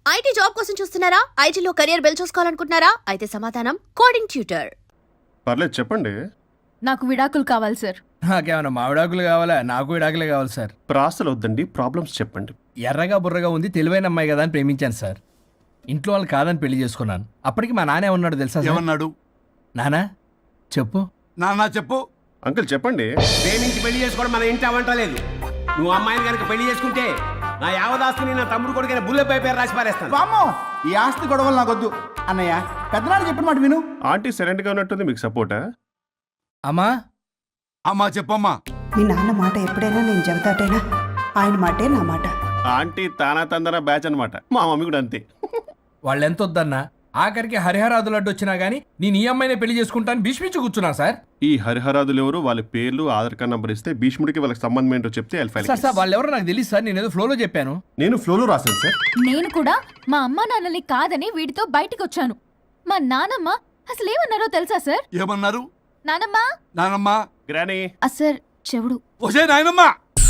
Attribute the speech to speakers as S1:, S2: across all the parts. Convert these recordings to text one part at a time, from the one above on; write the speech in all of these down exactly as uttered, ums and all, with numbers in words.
S1: IT job కోసం చూస్తున్నారా? ఐటీలో కెరియర్ బిల్డ్ చూసుకోవాలనుకుంటున్నారా? అయితే సమాధానం కోడింగ్ ట్యూటర్.
S2: పర్లేదు చెప్పండి.
S3: నాకు విడాకులు కావాలి సార్.
S4: నాకేమన్నా మా విడాకులు కావాలా? నాకు విడాకులే కావాలి సార్.
S2: ప్రాసలు వద్దండి, ప్రాబ్లమ్స్ చెప్పండి.
S4: ఎర్రగా బుర్రగా ఉంది, తెలివైన అమ్మాయి కదా అని ప్రేమించాను సార్. ఇంట్లో వాళ్ళు కాదని పెళ్లి చేసుకున్నాను. అప్పటికి మా నాన్న ఏమన్నాడు తెలుసా సార్?
S5: ఏమన్నాడు?
S4: నానా చెప్పు.
S5: నాన్న చెప్పు.
S2: అంకుల్ చెప్పండి.
S6: ప్రేమించి పెళ్లి చేసుకోవడం మన ఇంటి అవంటలేదు. నువ్వు అమ్మాయిని కనుక పెళ్లి చేసుకుంటే నా యావదాస్తిని నా తమ్ముడు కొడుకైన బుల్లెపై పేరు రాసి పారేస్తాను.
S7: వామ్మో, ఈ ఆస్తి గొడవలు నాకొద్దు అన్నయ్య. పెద్దనాడు చెప్పిన మాట విను.
S2: ఆంటీ సైలెంట్ గా ఉన్నట్టుంది, మీకు సపోర్టా?
S4: అమ్మా
S5: అమ్మా చెప్పమ్మా.
S8: మీ నాన్న మాట ఎప్పుడైనా నేను చెబుతాటేనా? ఆయన మాటే నా మాట.
S2: ఆంటీ తానా తందన బ్యాచ్ అనమాట. మా మమ్మీ కూడా అంతే.
S4: వాళ్ళు ఎంత వద్దన్నా ఆఖరికి హరిహరాదులు అడ్డు వచ్చినా గానీ నేను ఈ అమ్మాయినే పెళ్లి చేసుకుంటాను భీష్మించి కూర్చున్నా సార్.
S2: ఈ హరిహరాదులు ఎవరు, వాళ్ళ పేర్లు ఆధార్ కార్డ్ నంబర్ ఇస్తే భీష్ముడికి వాళ్ళకి సంబంధం ఏంటో చెప్తే
S4: సార్ సార్ వాళ్ళు ఎవరో నాకు తెలియదు సార్. నేను ఏదో ఫ్లోలో చెప్పాను.
S2: నేను ఫ్లోలో రాశాను సార్.
S3: నేను కూడా మా అమ్మ నాన్నని కాదని వీడితో బయటికి వచ్చాను. మా నానమ్మ అసలు ఏమన్నారో తెలుసా సార్?
S5: ఏమన్నారు?
S3: నానమ్మ
S5: నానమ్మా.
S2: గ్రానీ
S3: సార్ చెవుడు.
S5: ఒసే నాయనమ్మా.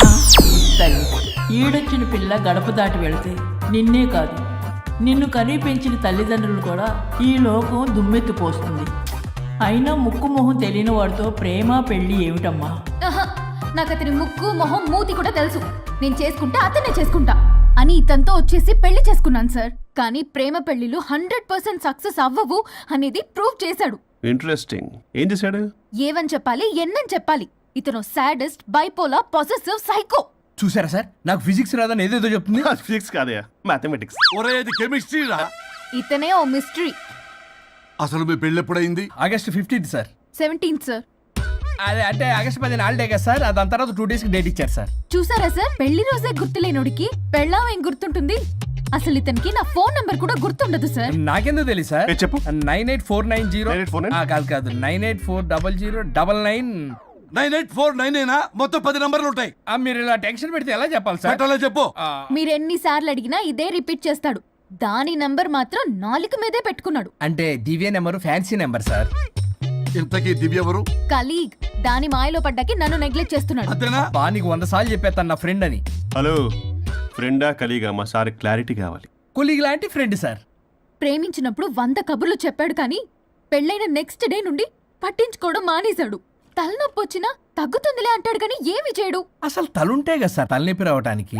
S9: తల్లి ఈడొచ్చిన పిల్ల గడప దాటి వెళితే నిన్నే కాదు నిన్ను కనీ పెంచిన తల్లిదండ్రులు కూడా ఈ లోకం దుమ్మెత్తిపోస్తుంది. అయినా ముక్కు మొహం తెలియని వాడితో ప్రేమ పెళ్లి ఏమిటమ్మా?
S3: ఆహా, నాకు అతని ముక్కు మొహం మూతి కూడా తెలుసు. నేను చేసుకుంటా అతనే చేసుకుంటా అని ఇతనితో వచ్చేసి పెళ్లి చేసుకున్నాను సార్. కానీ ప్రేమ పెళ్లిలు హండ్రెడ్ పర్సెంట్ సక్సెస్ అవ్వవు అనేది ప్రూవ్ చేశాడు.
S2: ఇంట్రెస్టింగ్. ఏం చేశాడు?
S3: ఏవని చెప్పాలి ఎన్నని చెప్పాలి. ఇతను సాడెస్ట్, బైపోలా, పొసెసివ్, సైకో.
S4: చూసారా సార్, నాకు ఫిజిక్స్ రాదని ఏదేదో చెప్తుంది.
S2: ఫిజిక్స్ కాదయా, మ్యాథమెటిక్స్.
S5: ఒరే ఇది కెమిస్ట్రీ రా.
S3: ఇతనే ఓ మిస్టరీ.
S5: అసలు మీ పెళ్ళి ఎప్పుడైంది?
S4: August fifteenth sir.
S3: Seventeenth sir.
S4: అదే అంటే ఆగస్ట్ పదిహేను హాలిడే కదా సార్. దాని తర్వాత టూ డేస్ కి డేట్ ఇచ్చారు సార్.
S3: చూసారా సార్, పెళ్లి రోజే గుర్తులేనోడికి పెళ్ళాం ఏం గుర్తుంటుంది? అసలు ఇతనికి నా ఫోన్ నంబర్ కూడా గుర్తుండదు సార్.
S4: నాకెందుకు తెలియదు సార్.
S2: ఏ చెప్పు.
S4: Nine eight four nine zero
S2: nine eight four nine
S4: కాదు కాదు nine eight four double zero double nine
S5: nine eight four nine అయినా మొత్తం పది నంబర్లు ఉంటాయి.
S4: మీరు ఇలా టెన్షన్ పెడితే ఎలా చెప్పాలి సార్?
S5: పెట్టాలా చెప్పు.
S3: మీరు ఎన్నిసార్లు అడిగినా ఇదే రిపీట్ చేస్తాడు. దాని నంబర్ మాత్రం నాలుగు మీదే పెట్టుకున్నాడు.
S4: అంటే Divya number fancy number sir.
S5: ఇంతకీ దివ్య ఎవరు?
S3: కలీగ్. దాని మాయలో పడ్డాకి నన్ను నెగ్లెక్ట్ చేస్తున్నాడు.
S5: అంతేనా?
S4: బా నీకు వంద సార్లు చెప్పేస్తాను నా ఫ్రెండ్ అని.
S2: హలో, ఫ్రెండా కలీగా? మా సార్ క్లారిటీ కావాలి.
S4: కొలీగ్ లాంటి ఫ్రెండ్ సార్.
S3: ప్రేమించినప్పుడు వంద కబుర్లు చెప్పాడు కానీ పెళ్ళైన నెక్స్ట్ డే నుండి పట్టించుకోవడం మానేశాడు. తలనొప్పి వచ్చినా తగ్గుతుందిలే అంటాడు కానీ ఏమి చేయడు.
S4: అసలు తలుంటే కదా సార్ తలనొప్పి రావటానికి.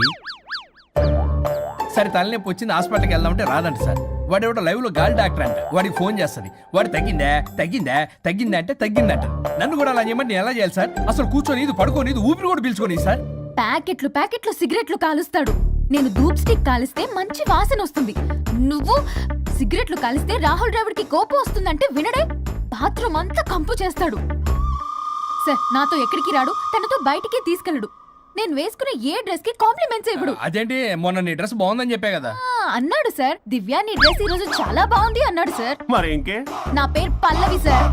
S4: సరే తలనొప్పి వచ్చింది హాస్పిటల్కి వెళ్దామంటే రాదంట సార్. వాడు ఎవడో లైవ్ లో గాలి డాక్టర్ అంట. వాడికి ఫోన్ చేస్తుంది. వాడు తగ్గిందా తగ్గిందా తగ్గిందా అంటే తగ్గిందంట. నన్ను కూడా అలా చేయమంటే నేను ఎలా చేయాలి సార్? అసలు కూర్చొని ఇది పడుకొని ఇది ఊపిరి కూడా పీల్చుకొని సార్.
S3: ప్యాకెట్లు ప్యాకెట్లు సిగరెట్లు కాలుస్తాడు. నేను ధూప్ స్టిక్ కాలిస్తే మంచి వాసన వస్తుంది. నువ్వు సిగరెట్లు కాలిస్తే రాహుల్ ద్రావిడ్ కి కోపం వస్తుందంటే వినడే. బాత్రూమ్ అంతా కంపు చేస్తాడు. సార్ నాతో ఎక్కడికి రాడు, తనతో బయటికి తీసుకెళ్ళడు. నేను వేసుకునే ఏ డ్రెస్ కి కాంప్లిమెంట్స్ ఇవ్వడు.
S4: అదేంటి మొన్న నీ డ్రెస్ బాగుందని చెప్పా కదా.
S3: అన్నాడు సార్. దివ్య నీ డ్రెస్ ఈ రోజు చాలా బాగుంది అన్నాడు సార్.
S2: మరి ఇంకే?
S3: నా పేరు పల్లవి సార్.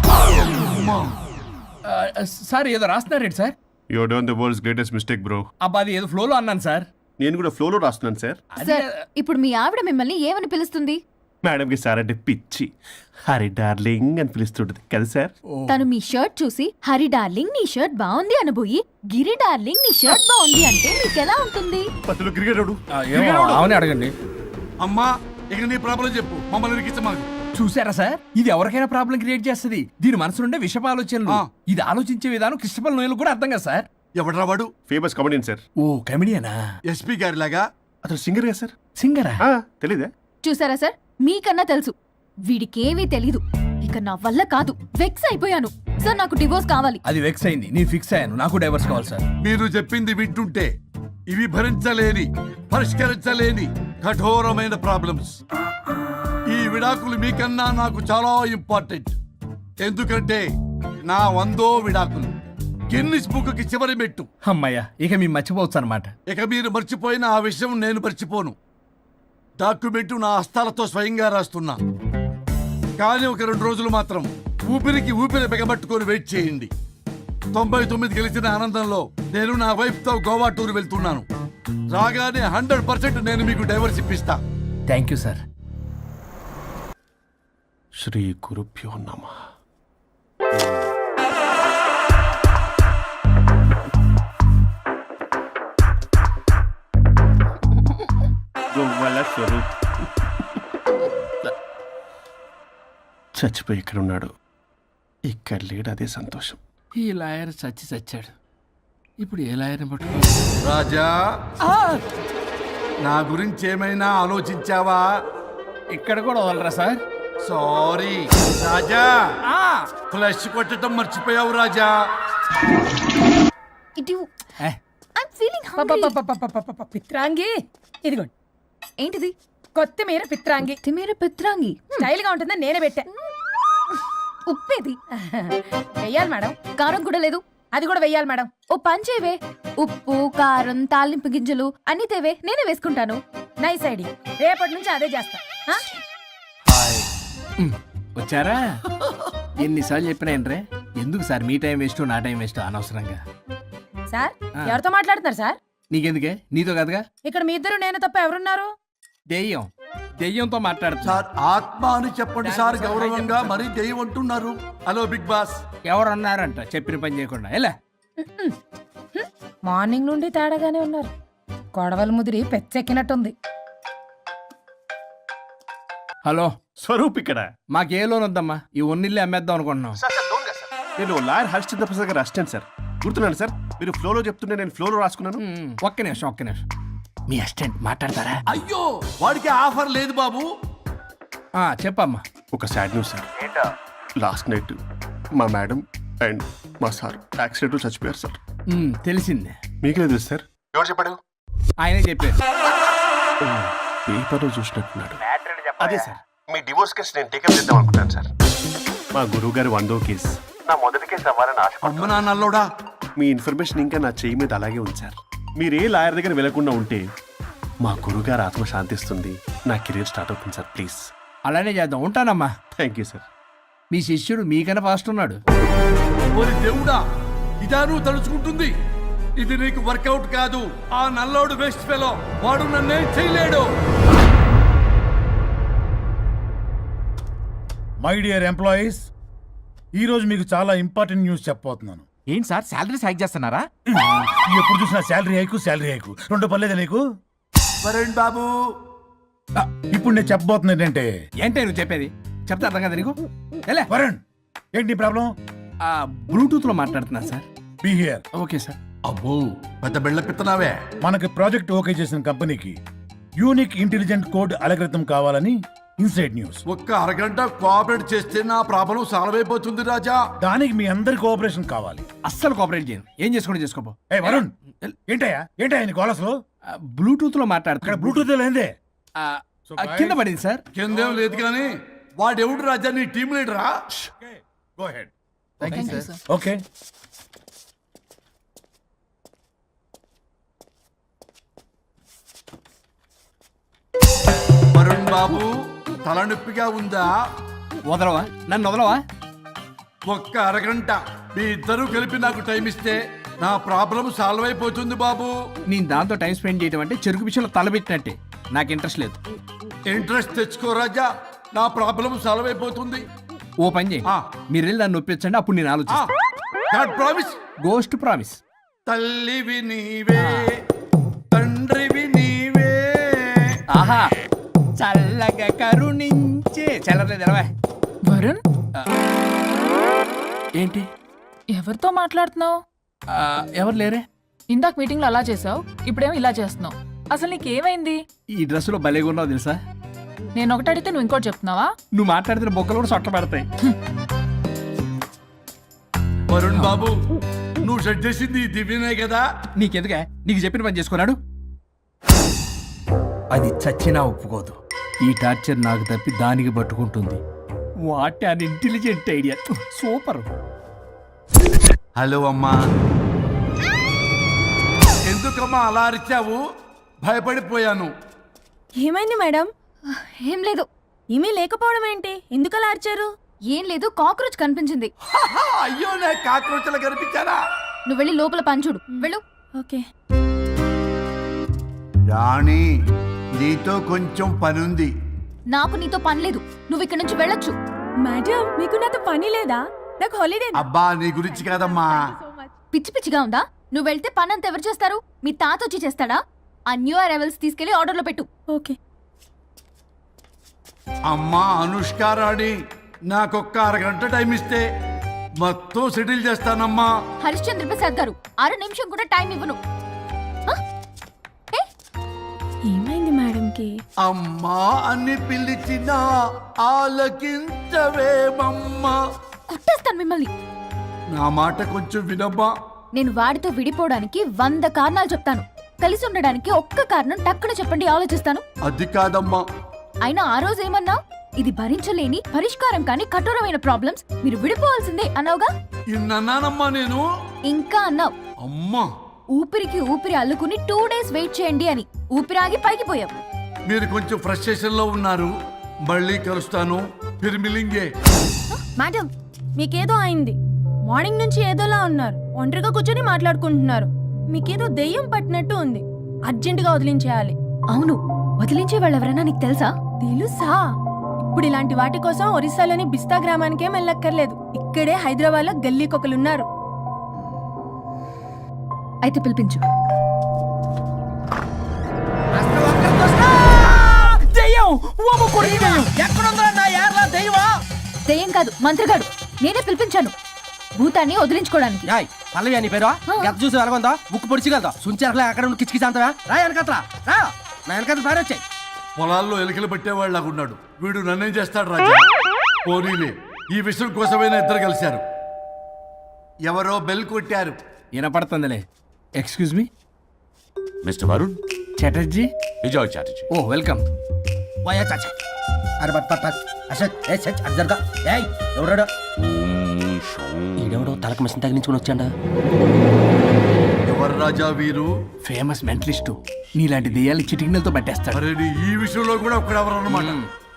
S4: సార్ ఏదో రాస్తున్నారేంటి sir?
S2: You done the world's greatest mistake bro.
S4: అబ్బా అది ఏదో ఫ్లోలో అన్నాను సార్.
S2: నేను కూడా ఫ్లోలో రాస్తున్నాను సార్.
S3: సార్ ఇప్పుడు మీ ఆవిడ మిమ్మల్ని ఏమని పిలుస్తుంది?
S2: మేడంకి సార్ అంటే పిచ్చి. హరి డార్లింగ్ అని పిలుస్తుంటది కదా సార్.
S3: తను మీ షర్ట్ చూసి హరి డార్లింగ్ నీ షర్ట్ బాగుంది అనబోయి గిరి డార్లింగ్ నీ షర్ట్ బాగుంది అంటే మీకెలా ఉంటుంది?
S2: పత్తులు క్రికెటరు.
S4: అవునే అడగండి.
S5: అమ్మా ఇక నీ ప్రాబ్లం చెప్పు, మమ్మల్ని ఇరికించమాకు.
S4: చూసారా సార్, ఇది ఎవరికైనా ప్రాబ్లం క్రియేట్ చేస్తుంది. దీని మనసు నుండే విషప ఆలోచనలు.
S5: ఆ.
S4: ఇది ఆలోచించే విధానం కృష్ణపల్ నోయలు కూడా అర్థం కదా సార్.
S5: ఎవడరా వాడు?
S2: Famous comedian sir.
S4: ఓ కమెడియనా?
S5: ఎస్పీ గారి లాగా.
S2: అతను సింగర్ కదా సార్.
S4: సింగరా?
S2: తెలీదా?
S3: చూసారా సార్, మీకన్నా తెలుసు. వీడికేమీ తెలీదు. ఇక నా వల్ల కాదు, వెక్స్ అయిపోయాను సార్. నాకు డివోర్స్ కావాలి.
S4: అది వెక్స్ అయింది, నేను ఫిక్స్ అయ్యాను. నాకు డైవర్స్ కావాలి సార్.
S5: మీరు చెప్పింది వింటుంటే ఇవి భరించలేని పరిష్కరించలేని కఠోరమైన ప్రాబ్లమ్స్. ఈ విడాకులు మీకన్నా నాకు చాలా ఇంపార్టెంట్. ఎందుకంటే నా వందో విడాకులు గిన్నిస్ బుక్కి చివరి మెట్టు.
S4: అమ్మయ్య, ఇక మేము మర్చిపోవచ్చు అనమాట.
S5: ఇక మీరు మర్చిపోయిన ఆ విషయం నేను మర్చిపోను. డాక్యుమెంటు నా హస్తాలతో స్వయంగా రాస్తున్నా. కానీ ఒక రెండు రోజులు మాత్రం ఊపిరికి ఊపిరి బిగబట్టుకొని వెయిట్ చేయండి. తొంభై తొమ్మిది గెలిచిన ఆనందంలో నేను నా వైఫ్ తో గోవా టూర్ వెళ్తున్నాను. రాగానే హండ్రెడ్ పర్సెంట్ నేను మీకు డైవర్స్ ఇప్పిస్తా.
S4: Thank you sir.
S2: శ్రీ గురుభ్యో నమః. గోవాల స్వరూప్. చచ్చిపోయి ఇక్కడ ఉన్నాడు. ఇక్కడ లేడు, అదే సంతోషం.
S4: ఈ లాయర్ చచ్చి చచ్చాడు. ఇప్పుడు ఏ లాయర్ని పట్టుకో?
S5: రాజా, నా గురించి ఏమైనా ఆలోచించావా?
S4: ఇక్కడ కూడా వదలరా సార్?
S5: సారీ రాజా, ఫ్లష్ కొట్టడం మర్చిపోయావు రాజా.
S3: ఇటు
S4: ఏ,
S3: ఐమ్ ఫీలింగ్
S10: పపపపపపపప, పిత్రాంగి ఇదిగోండి.
S3: ఏంటిది?
S10: కొత్తిమీర పిత్రాంగి
S3: తిమేర పిత్రాంగి.
S10: స్టైల్ గా ఉంటుందని నేనే పెట్టా.
S3: ఉప్పేది?
S10: వెయ్యాలి మేడం.
S3: కారం కూడా లేదు.
S10: అది కూడా వెయ్యాలి మేడం.
S3: ఓ పంచేవే, ఉప్పు కారం తాలింపు గింజలు అన్ని తేవే, నేనే వేసుకుంటాను.
S10: Nice idea. రేపటి నుంచి అదే చేస్తా. ఆ?
S4: ఉమ్, వచ్చారా? ఎన్నిసార్లు చెప్పినా ఏంట్రే, ఎందుకు సార్ మీ టైం వేస్ట్ నా టైం వేస్ట్ అనవసరంగా?
S10: సార్
S4: ఆ.
S10: ఎవరితో మాట్లాడుతున్నారు సార్?
S4: నీకెందుకే, నీతో కదగా.
S10: ఇక్కడ మీ ఇద్దరు నేను తప్ప ఎవరున్నారు?
S4: దెయ్యం దెయ్యంతో మాట్లాడుతా.
S5: సార్ ఆత్మ అని చెప్పండి సార్, గౌరవంగా మరీ దెయ్యం అంటున్నారు. Hello big boss.
S4: ఎవరు అన్నారంట చెప్పిన పని చేయకుండా? ఎలా?
S10: మార్నింగ్ నుండి తేడాగానే ఉన్నారు. గొడవల ముదిరి పెచ్చెక్కినట్టుంది.
S4: హలో,
S2: స్వరూప్ ఇక్కడ.
S4: మాకే లోన్ వద్దమ్మా, ఈ ఒన్నిల్లు అమ్మేద్దాం అనుకుంటున్నాం.
S2: నేను లాయర్ హరిశ్చంద్ర ప్రసాద్ గారు అసిస్టెంట్ సార్. గుర్తున్నాను సార్, మీరు ఫ్లోలో చెప్తుంటే నేను ఫ్లోలో రాసుకున్నాను.
S4: ఉమ్, ఒక్క నిమిషం ఒక్క నిమిషం. మీ అసిస్టెంట్ మాట్లాడతారా?
S5: అయ్యో, వాడికి ఆఫర్ లేదు బాబు.
S4: ఆ, చెప్పమ్మా.
S2: ఒక sad news sir. Last night మా మేడం అండ్ మా సార్ యాక్సిడెంట్ చచ్చిపోయారు సార్.
S4: ఉమ్, తెలిసిందే.
S2: మీకు లేదు సార్. ఎవరు చెప్పాడు?
S4: ఆయనే చెప్పారు.
S2: పేపర్లో చూసినట్టున్నాడు. అదే సార్, మీ డివోర్స్ కేసు నేను టేకప్ చేద్దాం అనుకుంటాను సార్. మా గురువు గారి వందో కేసు నా మొదటి కేసు అవ్వాలని ఆశ.
S5: అమ్మ నాన్నల్లోడా,
S2: మీ ఇన్ఫర్మేషన్ ఇంకా నా చెయ్యి మీద అలాగే ఉంది సార్. మీరు ఏ లాయర్ దగ్గర వెళ్లకుండా ఉంటే మా గురుగారు ఆత్మ శాంతిస్తుంది, నా కెరీర్ స్టార్ట్ అవుతుంది సార్. ప్లీజ్
S4: అలానే చేద్దాం. ఉంటానమ్మా.
S2: Thank you sir.
S4: మీ శిష్యుడు మీకన్నా ఫాస్ట్ ఉన్నాడు.
S5: ఓరి దేవుడా, ఇదా నువ్వు తలుచుకుంటుంది? ఇది నీకు వర్కౌట్ కాదు. ఆ నల్లోడు వేస్ట్ ఫెలో, వాడు నన్నేం చేయలేడు.
S11: మై డియర్ ఎంప్లాయీస్, ఈరోజు మీకు చాలా ఇంపార్టెంట్ న్యూస్ చెప్పబోతున్నాను.
S7: ఏంటి సార్ శాలరీస్ హైక్ చేస్తున్నారా?
S11: ఎప్పుడు చూసినా శాలరీ హైకు శాలరీ హైకు రెండు పర్లేదా నీకు?
S5: వరుణ్ బాబు,
S11: ఆ, ఇప్పుడు నేను చెప్పబోతున్నా ఏంటంటే,
S4: ఏంటే నువ్వు చెప్పేది? చెప్తా అర్థం కదా నీకు? ఎలా?
S11: వరుణ్, ఏంటి ప్రాబ్లం?
S4: ఆ, బ్లూటూత్ లో మాట్లాడుతున్నా sir.
S11: Be here.
S4: Okay sir.
S5: అబ్బో పెద్ద బిళ్ళ పిత్తనావే.
S11: మనకి ప్రాజెక్ట్ ఓకే చేసిన కంపెనీకి యూనిక్ ఇంటెలిజెంట్ కోడ్ అలకృతం కావాలని ఇన్సైడ్ న్యూస్.
S5: ఒక్క అరగంట కోఆపరేట్ చేస్తే నా ప్రాబ్లం సాల్వ్ అయిపోతుంది రాజా.
S11: దానికి మీ అందరి కోఆపరేషన్ కావాలి.
S4: అస్సలు కోఆపరేట్ చేయను. ఏం చేసుకోండి చేసుకోపో.
S11: ఏ వరుణ్, ఏంటయ్యా ఏంటయ్యా నీ కాలస్లో?
S4: బ్లూటూత్ లో
S11: ఇక్కడ
S4: మాట్లాడుతున్నా.
S11: బ్లూటూత్ లేదే.
S4: ఆ, ఆ, కింద పడింది సార్.
S5: కిందేం లేదు కానీ వాడెవడు రాజా, నీ టీం లీడరా?
S11: Go ahead.
S7: Sir.
S11: Okay.
S5: Varun బాబు, తలనొప్పిగా ఉందా?
S4: వదలవా? నన్ను వదలవా?
S5: ఒక్క అరగంట మీ ఇద్దరూ కలిపి నాకు టైం ఇస్తే నా ప్రాబ్లం సాల్వ్ అయిపోతుంది బాబు.
S4: నేను దాంతో టైం స్పెండ్ చేయడం అంటే చెరుకు విషయంలో తలబెట్టినట్టే. నాకు ఇంట్రెస్ట్ లేదు.
S5: ఇంట్రెస్ట్ తెచ్చుకో రాజా, నా ప్రాబ్లం సాల్వ్ అయిపోతుంది.
S4: ఓ పని చేయి,
S5: ఆ.
S4: మీరు వెళ్ళి నన్ను ఒప్పించండి, అప్పుడు నేను ఆలోచిస్తాను.
S5: God promise.
S4: Ghost promise.
S5: తల్లివి నీవే, తండ్రివి నీవే.
S4: ఆహా, చల్లగా కరుణించే. చల్లలేదు ఎలవా?
S10: వరుణ్,
S4: ఏంటి?
S10: ఎవరితో మాట్లాడుతున్నావు?
S4: ఆ, ఎవరు లేరే?
S10: ఇందాక మీటింగ్ లో అలా చేసావు, ఇప్పుడేమో ఇలా చేస్తున్నావు. అసలు నీకేమైంది?
S4: ఈ డ్రెస్సులో భలేగా ఉన్నావు తెలుసా?
S10: నేను ఒకటి అడిగితే నువ్వు ఇంకోటి చెప్తున్నావా?
S4: నువ్వు మాట్లాడితే బొక్కలు కూడా సొట్ట పెడతాయి.
S5: వరుణ్ బాబు, నువ్వు సెట్ చేసింది ఈ దివ్యనే కదా?
S4: నీకెందుకే? నీకు చెప్పిన పని చేసుకున్నాడు. అది చచ్చినా ఒప్పుకోదు. ఈ టార్చర్ నాకు తప్పి దానికి పట్టుకుంటుంది. What an intelligent idea. Super.
S5: Hello అమ్మా. ఎందుకమ్మా అలా అరిచావు? భయపడిపోయాను.
S10: ఏమైంది మేడం?
S3: ఏం లేదు.
S10: ఏమీ లేకపోవడం ఏంటి? ఎందుకు అలా అరిచారు?
S3: ఏం లేదు, కాక్రోచ్ కనిపించింది.
S5: అయ్యో, నా కాక్రోచ్లు కనిపించారా?
S3: నువ్వు వెళ్ళి లోపల పంచుడు. వెళ్ళు.
S10: ఓకే.
S5: రాణి, నీతో కొంచెం పనుంది.
S3: నాకు నీతో పని లేదు. నువ్వు ఇక్కడ నుంచి వెళ్ళొచ్చు.
S10: మేడం, మీకు నాతో పని లేదా? నాకు హాలిడే.
S5: అబ్బా, నీ గురించి కాదమ్మా.
S3: పిచ్చి పిచ్చిగా ఉందా? నువ్వు వెళ్తే పని అంతా ఎవరు చేస్తారు? మీ తాత వచ్చి చేస్తాడా? ఆ న్యూ అరైవల్స్ తీసుకెళ్లి ఆర్డర్లో పెట్టు.
S10: ఓకే.
S5: అమ్మా అనుష్క రాణి, నాకొక్క అరగంట టైం ఇస్తే మొత్తం సెటిల్ చేస్తానమ్మా.
S3: హరిశ్చంద్ర ప్రసాద్ గారు అర నిమిషం కూడా టైం ఇవ్వను. ఆ? ఏ? ఏమైంది మేడంకి?
S5: అమ్మా అని పిలిచిన ఆలకించవేమమ్మా.
S3: కొట్టేస్తాను మిమ్మల్ని.
S5: నా మాట కొంచెం వినమ్మా.
S3: నేను వాడితో విడిపోవడానికి వంద కారణాలు చెప్తాను. కలిసి ఉండడానికి ఒక్క కారణం టక్కున చెప్పండి, ఆలోచిస్తాను.
S5: అది కాదమ్మా.
S3: అయినా ఆ రోజు ఏమన్నా, ఇది భరించలేని పరిష్కారం కాని కఠోరమైన ప్రాబ్లమ్స్, మీరు విడిపోవాల్సిందే అన్నావుగా.
S5: ఇన్నానమ్మా నేను.
S3: ఇంకా అన్నావు,
S5: అమ్మా
S3: ఊపిరికి ఊపిరి అల్లుకుని టూ డేస్ వెయిట్ చేయండి అని. ఊపిరాగి పైకి పోయావు.
S5: మీరు కొంచెం ఫ్రస్ట్రేషన్ లో ఉన్నారు. మళ్ళీ కలుస్తాను. ఫిర్మిలింగే.
S12: మేడం, మీకేదో అయింది. మార్నింగ్ నుంచి ఏదోలా ఉన్నారు. ఒంటరిగా కూర్చొని మాట్లాడుకుంటున్నారు. మీకేదో దెయ్యం పట్టినట్టు ఉంది. అర్జెంటుగా వదిలించేయాలి.
S3: అవును, వదిలించే వాళ్ళెవరైనా నీకు తెలుసా?
S12: తెలుసా? ఇప్పుడు ఇలాంటి వాటి కోసం ఒరిస్సాలోని బిస్తా గ్రామానికేం వెళ్ళక్కర్లేదు. ఇక్కడే హైదరాబాద్ లో గల్లీకొకలున్నారు.
S3: అయితే పిలిపించు. దెయ్యం కాదు, మంత్రగాడు. నేనే పిలిపించాను భూతాన్ని వదిలించుకోవడానికి.
S6: పల్లవి అని పేరు గత చూసి వెలగొందా ముక్కు పొడిచిగలదా సుంచరలే అక్కడ ఉండి కిచకిచ అంతవా రా వెనకట్రా రా నా వెనకట్ల పారి వచ్చాయి.
S5: పొలాల్లో ఎలుకలు పట్టేవాళ్ళలాగున్నాడు వీడు. నన్నేం చేస్తాడు రాజా? పోనీలే, ఈ విషయం కోసమైనా ఇద్దరు కలిశారు. ఎవరో బెల్ కొట్టారు.
S4: వినపడుతుందిలే. Excuse me
S13: mister Varun
S4: Chatterjee.
S13: Vijay Chatterjee.
S4: Oh welcome.
S6: వాయా చాచా అరే బట్ పట్ అసత్ ఏ సచ్ అర్జర్గా ఏయ్ ఎవరాడు? ఈడెవడో తలకు మిషన్ తగిలించుకుని వచ్చాడా?
S5: ఎవరు రాజా వీరు?
S4: Famous mentalist. నీలాంటి దెయ్యాలు చిటికినలతో పట్టేస్తాడు.
S5: అరే నీ ఈ విషయంలో కూడా ఒకడెవరు అన్నమాట.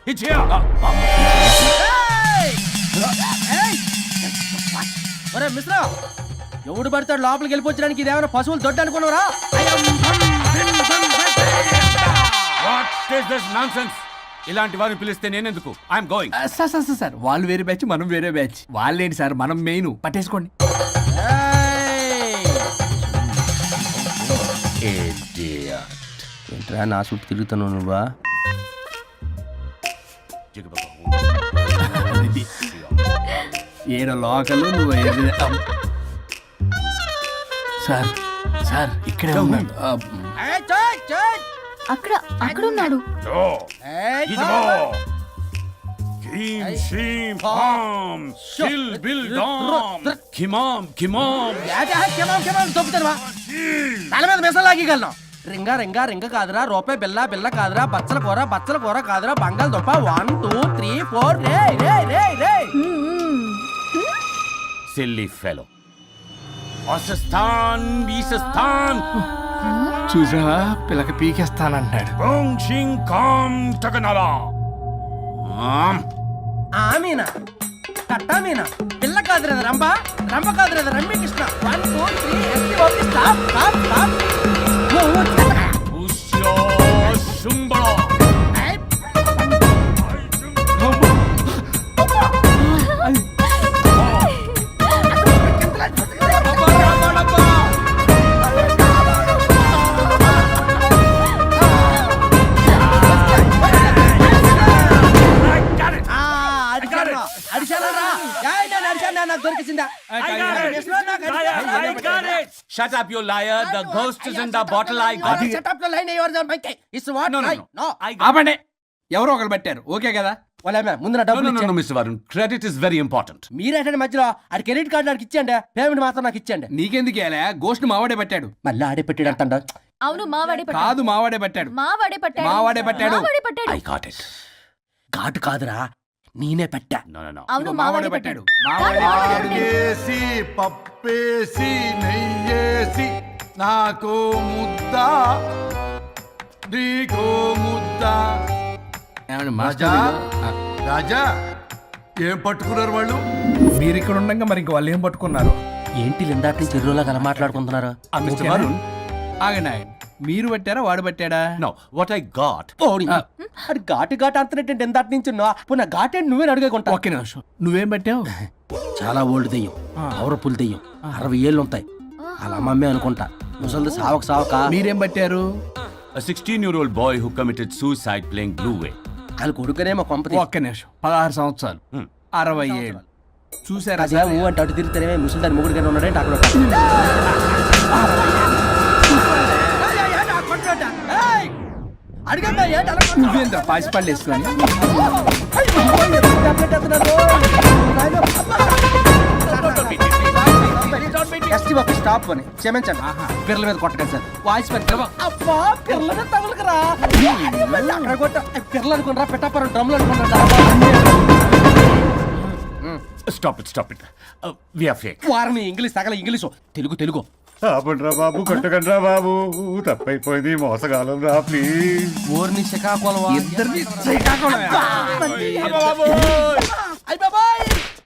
S6: ఒరే మిశ్రా, ఎవడు పడతాడు లోపలికి వెళ్ళిపోవడానికి? ఇదేమైనా పశువులు దొడ్డు అనుకున్నారా?
S13: ఇలాంటి వారిని పిలిస్తే నేనెందుకు? I'm going.
S4: Sir sir sir sir వాళ్ళు వేరే బ్యాచ్, మనం వేరే బ్యాచ్. వాళ్ళేంటి సార్, మనం మెయిన్. పట్టేసుకోండి.
S6: ఏంట్రా నా చుట్టూ తిరుగుతాను నువ్వా?
S4: ఏడ లోకలు నువ్వు ఏది- సార్ సార్ ఇక్కడే ఉన్నాడు.
S3: అక్కడ అక్కడ ఉన్నాడు.
S6: తల మీద మెసలాగలను. రింగా రింగా రింగ కాదురా, రూపాయి బిల్ల బిల్ల కాదురా, బచ్చల కూర బచ్చల కూర కాదురా, బంగాళదుంప వన్ టూ త్రీ ఫోర్ రే రే రే రే.
S13: Silly fellow. అసస్థాన్ బీసస్థాన్
S4: చూసావా, పిల్లకి పీకేస్తానంటాడు.
S6: ఆమీనా కట్టా మీనా పిల్ల కాదురా రంభ, రంభ కాదురా Ramya Krishna. One two three ST OP stop stop stop.
S13: Shut up, you liar. The ghost is in the bottle. I got it.
S6: Shut up the line. You are the monkey. It's what?
S13: No, no,
S6: I,
S13: no.
S6: no.
S13: I got
S4: ఆపండి. ఎవరో ఒకరు పెట్టారు. Okay కదా?
S6: వాళ్ళ ముందు నా
S13: it. No,
S6: డబ్బులు
S13: no, no, no,
S6: ఇచ్చేయండి.
S13: Mister Varun. Credit is very important.
S6: మీరేంటంటే మధ్యలో ఆడి క్రెడిట్ కార్డు నాకు ఇచ్చేయండి, పేమెంట్ మాత్రం నాకు ఇచ్చేయండి.
S4: నీకెందుకు ఇయ్యాలా? గోష్ట్ మావాడే పట్టాడు.
S6: మళ్ళీ ఆడే పెట్టాడు అంటాడు.
S3: అవును, మావాడే పట్టాడు.
S4: కాదు, మావాడే పట్టాడు.
S3: మావాడే పట్టాడు.
S4: మావాడే పట్టాడు.
S3: మావాడే పట్టాడు.
S13: I got it.
S6: ఘాటు కాదురా, నేనే పెట్టా.
S13: No, no, no.
S3: అవును, మావాడే పట్టాడు.
S5: ఆకేసి పప్పేసి నెయ్యేసి నాకు ముద్ద నీకో ముద్ద.
S4: ఏమండి
S5: రాజా
S4: మాస్టర్?
S5: రాజా ఏం పట్టుకున్నారు వాళ్ళు?
S4: మీరు ఇక్కడ ఉండగా మరి ఇంక వాళ్ళు ఏం పట్టుకున్నారు?
S6: ఏంటి లిందాటి చెరువులో కల మాట్లాడుకుంటున్నారు?
S13: Uh, Mister Varun.
S4: ఆగండి ఆగండి. మీరు పట్టారా వాడు పట్టాడా?
S13: No, what I got.
S6: ఓడి అది ఘాటు ఘాటు అంతనేంటి ఎందాటి నుంచి పున్న ఘాటేంటి నువ్వే అడుగుకుంటా.
S4: ఒక్క నిమిషం. నువ్వేం పట్టావు?
S6: చాలా ఓల్డ్ దెయ్యం, పవర్ఫుల్ దెయ్యం, అరవై ఏళ్ళు ఉంటాయి. అలా అమ్మమ్మే అనుకుంటా. ముసలిది సావక సావక.
S4: మీరేం పట్టారు?
S13: A sixteen-year-old boy who committed suicide playing Blue Way.
S6: వాళ్ళ కొడుకునేమో కొంపతి.
S4: ఒక్క నిమిషం. పదహారు సంవత్సరాలు. అరవై ఏళ్ళు చూసారా
S6: అదే
S4: సార్?
S6: ఊ అంటే అటు తిరిగితేనే ముసలి దాని ముగ్గురు గానే ఉన్నాడంటే అక్కడ అడిగమ్మా ఏంటి అలా కొట్టావు?
S4: నువ్వేంద్ర పాసిపళ్ళు వేసుకొని
S6: ఎస్టీ బాబు స్టాప్ అని క్షమించండి పిల్లల మీద కొట్టకండి సార్ వాయిస్ పెద్ద అబ్బా పిల్లల మీద తగులుకురా అక్కడ కొట్ట పిల్లలు అనుకున్నారా పెట్టాపరం డ్రమ్లు అనుకున్నారా
S13: stop it stop it we are fake
S6: వారిని ఇంగ్లీష్ తగల ఇంగ్లీషు తెలుగు తెలుగు
S11: ఆపండ్రా బాబు కొట్టకండ్రా బాబు తప్పైపోయింది మోసగాలం రా ప్లీజ్
S6: ఊరిని శ్రీకాకుళం
S4: ఇద్దరిని శ్రీకాకుళం